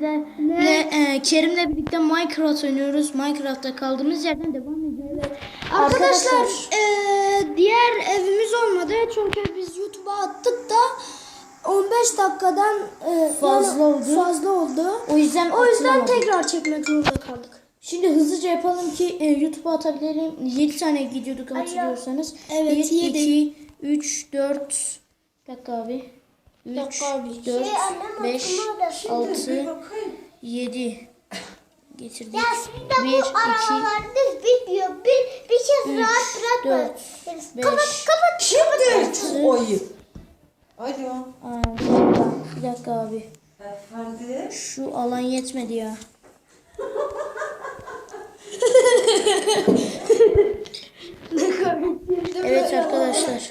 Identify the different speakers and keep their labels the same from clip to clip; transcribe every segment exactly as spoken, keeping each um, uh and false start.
Speaker 1: sizlerle e, Kerim'le birlikte Minecraft oynuyoruz. Minecraft'ta kaldığımız yerden devam ediyoruz.
Speaker 2: Arkadaşlar, Arkadaşlar e, diğer evimiz olmadı çünkü biz YouTube'a attık da on beş dakikadan e,
Speaker 1: fazla
Speaker 2: yani
Speaker 1: oldu.
Speaker 2: Fazla oldu.
Speaker 1: O yüzden
Speaker 2: o yüzden tekrar çekmek zorunda kaldık.
Speaker 1: Şimdi hızlıca yapalım ki e, YouTube'a atabilelim. yedi tane gidiyorduk hatırlıyorsanız.
Speaker 2: Evet,
Speaker 1: bir,
Speaker 2: yedi.
Speaker 1: iki, üç, dört. Bir dakika abi. üç, dört, beş, altı, yedi. Getirdik.
Speaker 3: Ya şimdi bu arabalarınız bitmiyor. Bir, bir kez rahat bırakma. Kapat kapat.
Speaker 4: Şimdi çok ayıp. Alo.
Speaker 1: Aa, bir dakika abi.
Speaker 4: Efendim?
Speaker 1: Şu alan yetmedi ya. Evet arkadaşlar.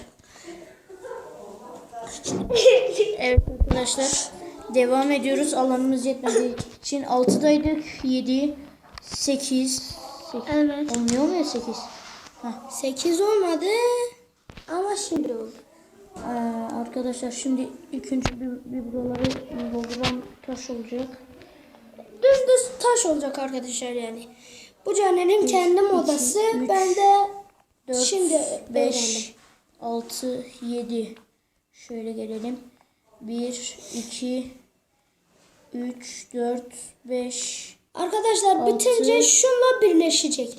Speaker 1: Evet arkadaşlar. Devam ediyoruz. Alanımız yetmediği için altıdaydık. yedi, sekiz.
Speaker 2: Evet.
Speaker 1: Olmuyor mu ya sekiz?
Speaker 2: sekiz olmadı ama şimdi oldu.
Speaker 1: Ee, arkadaşlar şimdi ilk önce bir, bir buraları dolduran taş olacak.
Speaker 2: Düz taş olacak arkadaşlar yani. Bu Caner'in kendi modası.
Speaker 1: üç,
Speaker 2: Ben de
Speaker 1: dört,
Speaker 2: şimdi
Speaker 1: beş, altı, yedi. Şöyle gelelim. bir, iki, üç, dört, beş.
Speaker 2: Arkadaşlar
Speaker 1: altı.
Speaker 2: bitince şunla birleşecek.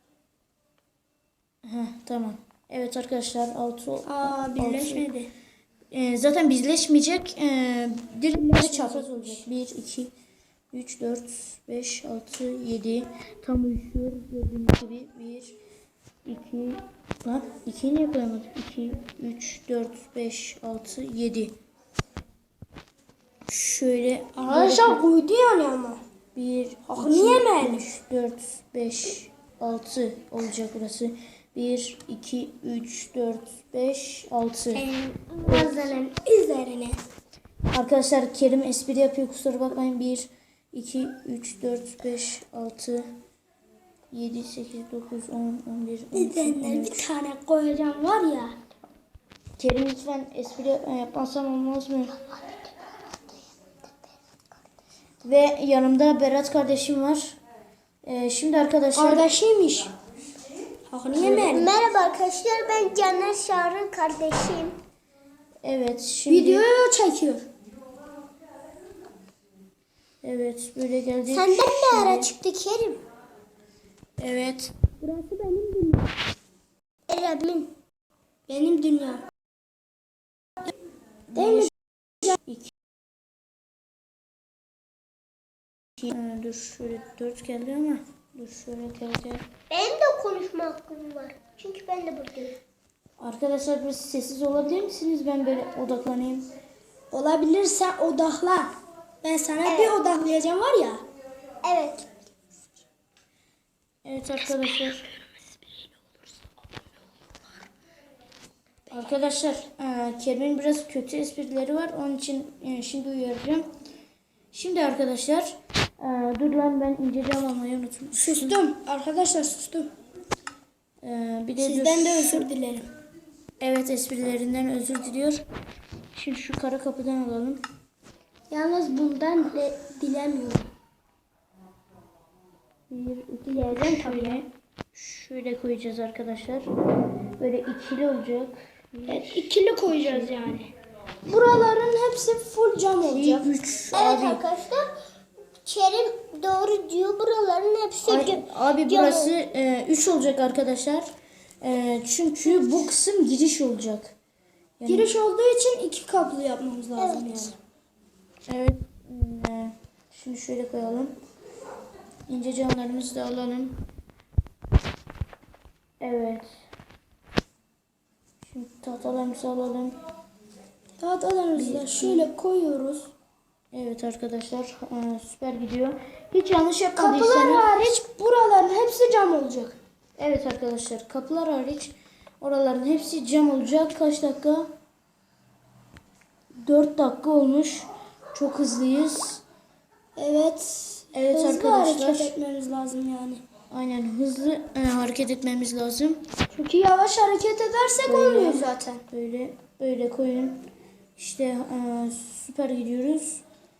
Speaker 1: Heh, tamam. Evet arkadaşlar altı.
Speaker 2: Aa birleşmedi.
Speaker 1: Ee, zaten bizleşmeyecek. Ee, direkt çapraz olacak. bir, iki, üç, dört, beş, altı, yedi. Tam uyuşuyor. Gördüğünüz gibi bir, iki, lan ikiyi niye koyamadık? iki, üç, dört, beş, altı, yedi. Şöyle
Speaker 2: Arkadaşlar koydu yani ama.
Speaker 1: bir,
Speaker 2: niye mi?
Speaker 1: üç, dört, beş, altı olacak burası. bir, iki, üç, dört, beş, altı.
Speaker 2: Mazenin üzerine.
Speaker 1: Arkadaşlar Kerim espri yapıyor, kusura bakmayın. bir, iki, üç, dört, beş, altı, yedi, sekiz, dokuz, on, on bir, on iki, on
Speaker 2: Üzerine
Speaker 1: üç.
Speaker 2: bir tane koyacağım var ya.
Speaker 1: Kerim lütfen espri yapmasam olmaz mı? Ve yanımda Berat kardeşim var. Ee, şimdi arkadaşlar...
Speaker 2: Kardeşiymiş. Hakkını yemeyelim.
Speaker 3: Merhaba arkadaşlar, ben Caner Şahr'ın kardeşiyim.
Speaker 1: Evet şimdi...
Speaker 2: Videoyu çekiyor.
Speaker 1: Evet böyle geldik.
Speaker 3: Senden ne ara çıktı Kerim?
Speaker 1: Evet.
Speaker 2: Burası benim dünyam.
Speaker 3: Eremin.
Speaker 2: Benim dünyam. Değil mi?
Speaker 1: İki. Ee, dur şöyle dört geldi ama dur şöyle geldi.
Speaker 3: Benim de konuşma hakkım var. Çünkü ben de buradayım.
Speaker 1: Arkadaşlar biraz sessiz olabilir misiniz? Ben böyle odaklanayım.
Speaker 2: Olabilirse odaklan. Ben sana
Speaker 3: Evet.
Speaker 2: bir odaklayacağım var ya.
Speaker 3: Evet.
Speaker 1: Evet arkadaşlar. Arkadaşlar e, Kerim'in biraz kötü esprileri var. Onun için e, şimdi uyaracağım. Şimdi arkadaşlar e, dur lan ben inceli almayı unutmuşum.
Speaker 2: Sustum. Arkadaşlar sustum.
Speaker 1: E, bir de
Speaker 2: Sizden
Speaker 1: dur.
Speaker 2: de özür dilerim.
Speaker 1: Evet esprilerinden özür diliyor. Şimdi şu kara kapıdan alalım.
Speaker 2: Yalnız bundan de dilemiyorum.
Speaker 1: Bir, iki,
Speaker 2: Dileyeceğim tabii.
Speaker 1: şöyle, şöyle koyacağız arkadaşlar. Böyle ikili olacak.
Speaker 2: Evet, ikili koyacağız yani. Buraların hepsi full cam olacak.
Speaker 1: üç.
Speaker 3: Evet
Speaker 1: Abi,
Speaker 3: arkadaşlar. Kerim doğru diyor. Buraların hepsi
Speaker 1: Ay-
Speaker 3: cam-
Speaker 1: abi
Speaker 3: cam
Speaker 1: burası üç olacak arkadaşlar. E, çünkü bu kısım giriş olacak. Yani,
Speaker 2: Giriş olduğu için iki kaplı yapmamız lazım
Speaker 3: Evet.
Speaker 2: yani.
Speaker 1: evet. E, şimdi şöyle koyalım. İnce camlarımızı da alalım. Evet. Şimdi tahtalarımızı alalım.
Speaker 2: Tahtalarımızı da şöyle koyuyoruz.
Speaker 1: Evet arkadaşlar e, süper gidiyor. Hiç yanlış
Speaker 2: Kapılar
Speaker 1: yapmadıysanız.
Speaker 2: hariç buraların hepsi cam olacak.
Speaker 1: Evet arkadaşlar kapılar hariç oraların hepsi cam olacak. Kaç dakika? dört dakika olmuş. Çok hızlıyız.
Speaker 2: Evet.
Speaker 1: Evet
Speaker 2: hızlı
Speaker 1: arkadaşlar.
Speaker 2: hareket etmemiz lazım yani.
Speaker 1: Aynen hızlı e, hareket etmemiz lazım.
Speaker 2: Çünkü yavaş hareket edersek
Speaker 1: Böyle.
Speaker 2: olmuyor zaten.
Speaker 1: Böyle böyle koyun. İşte e, süper gidiyoruz.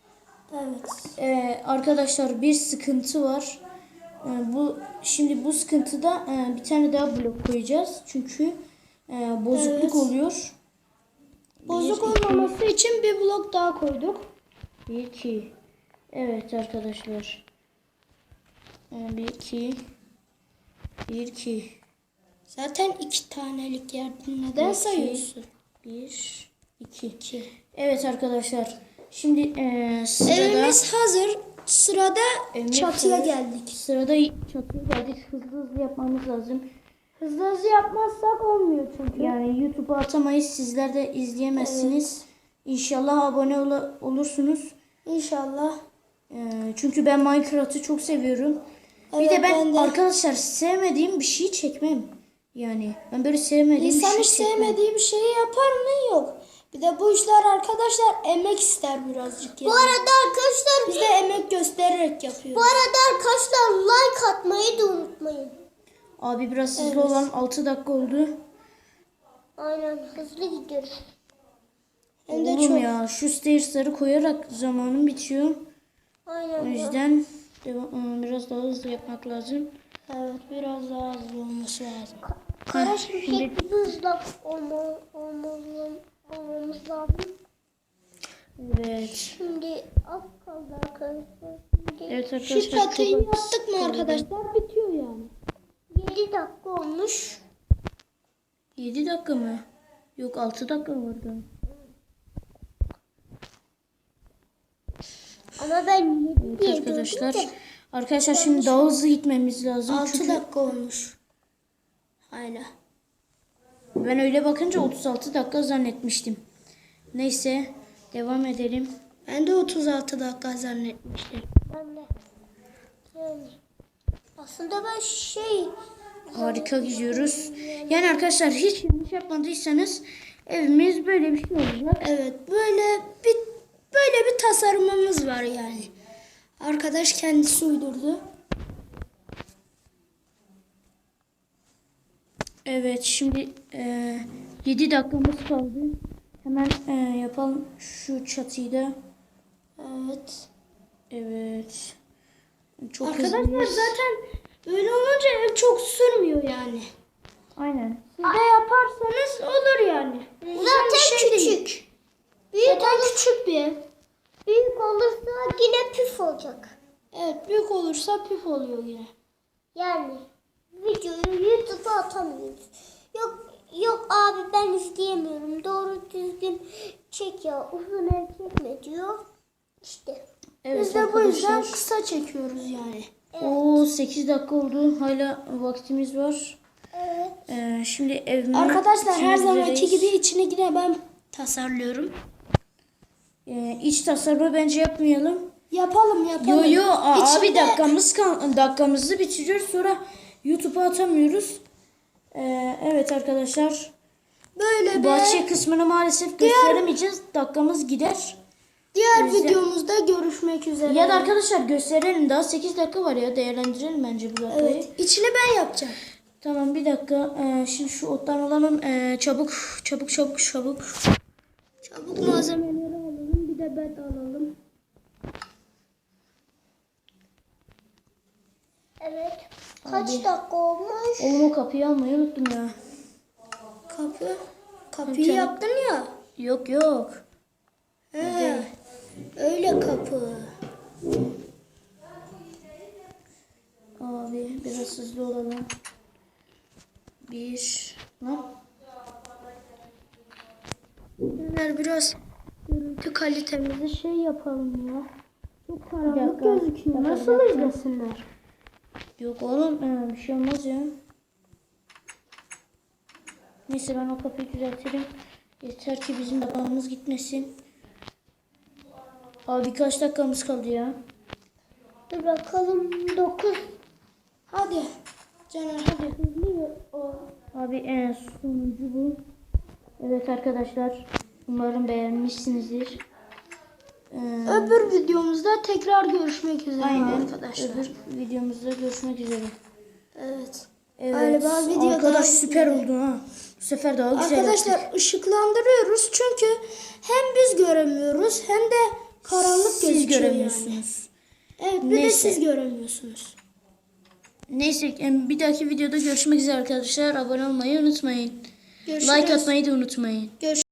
Speaker 2: Evet.
Speaker 1: Ee, arkadaşlar bir sıkıntı var. Ee, bu şimdi bu sıkıntıda e, bir tane daha blok koyacağız. Çünkü e, bozukluk
Speaker 2: Evet.
Speaker 1: oluyor.
Speaker 2: Bozuk
Speaker 1: Bir, iki,
Speaker 2: olmaması için bir blok daha koyduk.
Speaker 1: bir, iki. Evet arkadaşlar. Ee, bir, iki. Bir, iki.
Speaker 2: Zaten iki tanelik yerden neden
Speaker 1: İki.
Speaker 2: sayıyorsun?
Speaker 1: Bir, iki. iki. Evet arkadaşlar. Şimdi e, sırada
Speaker 2: Evimiz hazır. Sırada
Speaker 1: Evimiz
Speaker 2: çatıya
Speaker 1: hazır.
Speaker 2: geldik.
Speaker 1: Sırada çatıya geldik. Hızlı hızlı yapmamız lazım.
Speaker 2: Hızlı hızlı yapmazsak olmuyor çünkü.
Speaker 1: Yani YouTube'a atamayız. Sizler de izleyemezsiniz. İnşallah abone ol- olursunuz.
Speaker 2: İnşallah.
Speaker 1: Ee, çünkü ben Minecraft'ı çok seviyorum. bir
Speaker 2: Evet,
Speaker 1: de ben,
Speaker 2: ben de.
Speaker 1: arkadaşlar sevmediğim bir şeyi çekmem. Yani ben böyle sevmediğim
Speaker 2: İnsan
Speaker 1: bir
Speaker 2: hiç
Speaker 1: şey çekmem.
Speaker 2: sevmediği bir şeyi yapar mı? Yok. Bir de bu işler arkadaşlar emek ister birazcık yani.
Speaker 3: Bu arada arkadaşlar
Speaker 2: Biz de emek göstererek
Speaker 3: bu
Speaker 2: yapıyoruz.
Speaker 3: arada arkadaşlar like atmayı da unutmayın.
Speaker 1: Abi biraz hızlı
Speaker 2: Evet.
Speaker 1: olan altı dakika oldu.
Speaker 3: Aynen hızlı gidiyoruz.
Speaker 2: Hem de
Speaker 1: Oğlum
Speaker 2: çok.
Speaker 1: ya şu stairs'ları koyarak zamanım bitiyor.
Speaker 3: Aynen.
Speaker 1: O
Speaker 3: ya.
Speaker 1: yüzden devam, ıı, biraz daha hızlı yapmak lazım.
Speaker 2: Evet, biraz daha hızlı olması lazım.
Speaker 3: Kara şimşek gibi hızlı olma, olmamız, olmamız lazım.
Speaker 1: Evet.
Speaker 3: Şimdi az kaldı arkadaşlar. Şimdi
Speaker 1: Evet
Speaker 2: Şu
Speaker 1: arkadaşlar.
Speaker 2: çatıyı
Speaker 1: çok-
Speaker 2: yaptık mı arkadaşlar bitiyor yani.
Speaker 3: yedi dakika olmuş.
Speaker 1: yedi dakika mı? Yok altı dakika vardı.
Speaker 3: Ama ben yedi
Speaker 1: Evet
Speaker 3: diye
Speaker 1: arkadaşlar.
Speaker 3: gördüm de.
Speaker 1: Arkadaşlar şimdi daha hızlı gitmemiz lazım.
Speaker 2: altı
Speaker 1: Çünkü
Speaker 2: dakika olmuş. Hala.
Speaker 1: ben öyle bakınca otuz altı dakika zannetmiştim. Neyse devam edelim.
Speaker 2: Ben de otuz altı dakika zannetmiştim.
Speaker 3: Ben de. Yani. Aslında ben şey
Speaker 1: Harika gidiyoruz. Yani arkadaşlar hiç yanlış yapmadıysanız evimiz böyle bir şey olacak.
Speaker 2: Evet, böyle bir böyle bir tasarımımız var yani. Arkadaş kendisi uydurdu.
Speaker 1: Evet şimdi e, yedi dakikamız kaldı. Hemen e, yapalım şu çatıyı da.
Speaker 2: Evet.
Speaker 1: Evet. Çok
Speaker 2: Arkadaşlar
Speaker 1: hızlıyız.
Speaker 2: zaten böyle olunca ev çok sürmüyor yani.
Speaker 1: Aynen.
Speaker 2: Siz de yaparsanız olur yani.
Speaker 3: zaten
Speaker 2: şey değil.
Speaker 3: küçük. Büyük,
Speaker 2: Zaten
Speaker 3: olur,
Speaker 2: küçük bir ev.
Speaker 3: büyük olursa yine püf olacak.
Speaker 2: Evet, büyük olursa püf oluyor yine.
Speaker 3: Yani videoyu YouTube'a atamıyoruz. Yok yok abi ben izleyemiyorum. Doğru düzgün çek ya. Uzun ev çekme diyor. İşte.
Speaker 1: Evet
Speaker 2: Biz de bu yüzden
Speaker 1: arkadaşlar.
Speaker 2: kısa çekiyoruz yani.
Speaker 1: Oo sekiz dakika oldu. Hala vaktimiz var.
Speaker 3: Evet.
Speaker 1: Ee, şimdi evime
Speaker 2: Arkadaşlar her
Speaker 1: gitmek
Speaker 2: zamanki
Speaker 1: üzereyiz.
Speaker 2: gibi içini yine ben tasarlıyorum.
Speaker 1: Ee, iç tasarımı bence yapmayalım.
Speaker 2: Yapalım yapalım.
Speaker 1: Yo yo aa, abi
Speaker 2: İçinde-
Speaker 1: dakikamız kal dakikamızı bitiriyoruz sonra YouTube'a atamıyoruz. Ee, evet arkadaşlar.
Speaker 2: Böyle bir
Speaker 1: Bahçe kısmını maalesef gösteremeyeceğiz. Dakikamız gider.
Speaker 2: diğer
Speaker 1: yüzden-
Speaker 2: videomuzda görüşmek üzere.
Speaker 1: Ya da arkadaşlar gösterelim. Daha sekiz dakika var ya. Değerlendirelim bence bu dakikayı.
Speaker 2: Evet, içini ben yapacağım.
Speaker 1: Tamam bir dakika. Ee, şimdi şu ottan alalım. Ee, çabuk çabuk çabuk çabuk.
Speaker 2: Çabuk malzemeleri alalım, bir de bed alalım.
Speaker 3: Evet. Kaç dakika olmuş?
Speaker 1: Oğlum o kapıyı almayı unuttum ya.
Speaker 2: Kapı. Kapıyı
Speaker 1: Tamam.
Speaker 2: yaptın ya.
Speaker 1: Yok yok.
Speaker 2: He. Öyle kapı.
Speaker 1: Abi biraz hızlı olalım. Bir. Lan.
Speaker 2: Beyler biraz görüntü kalitemizi şey yapalım ya. Çok
Speaker 1: Bir
Speaker 2: karanlık
Speaker 1: dakika,
Speaker 2: gözüküyor.
Speaker 1: bir dakika,
Speaker 2: Nasıl
Speaker 1: bir dakika.
Speaker 2: izlesinler?
Speaker 1: Yok oğlum ee, bir şey olmaz ya. Neyse ben o kapıyı düzeltirim. Yeter ki bizim dakikamız gitmesin. Abi birkaç dakikamız kaldı ya.
Speaker 3: Dur bakalım. dokuz.
Speaker 2: Hadi. Caner hadi hızlı o.
Speaker 1: Abi en sonuncu bu. Evet arkadaşlar. Umarım beğenmişsinizdir. Ee,
Speaker 2: Öbür videomuzda tekrar görüşmek üzere
Speaker 1: aynen.
Speaker 2: arkadaşlar.
Speaker 1: Öbür videomuzda görüşmek üzere.
Speaker 2: Evet.
Speaker 1: Evet.
Speaker 2: Galiba video
Speaker 1: Arkadaş
Speaker 2: daha
Speaker 1: süper oldu ha. Bu sefer daha güzel yaptık.
Speaker 2: Arkadaşlar ışıklandırıyoruz çünkü hem biz göremiyoruz hem de karanlık
Speaker 1: siz
Speaker 2: gözüküyor
Speaker 1: göremiyorsunuz.
Speaker 2: yani. Evet bir de
Speaker 1: Neyse.
Speaker 2: siz göremiyorsunuz.
Speaker 1: Neyse em, bir dahaki videoda görüşmek üzere arkadaşlar. Abone olmayı unutmayın.
Speaker 2: Görüşürüz.
Speaker 1: Like atmayı da unutmayın.
Speaker 2: Görüşürüz.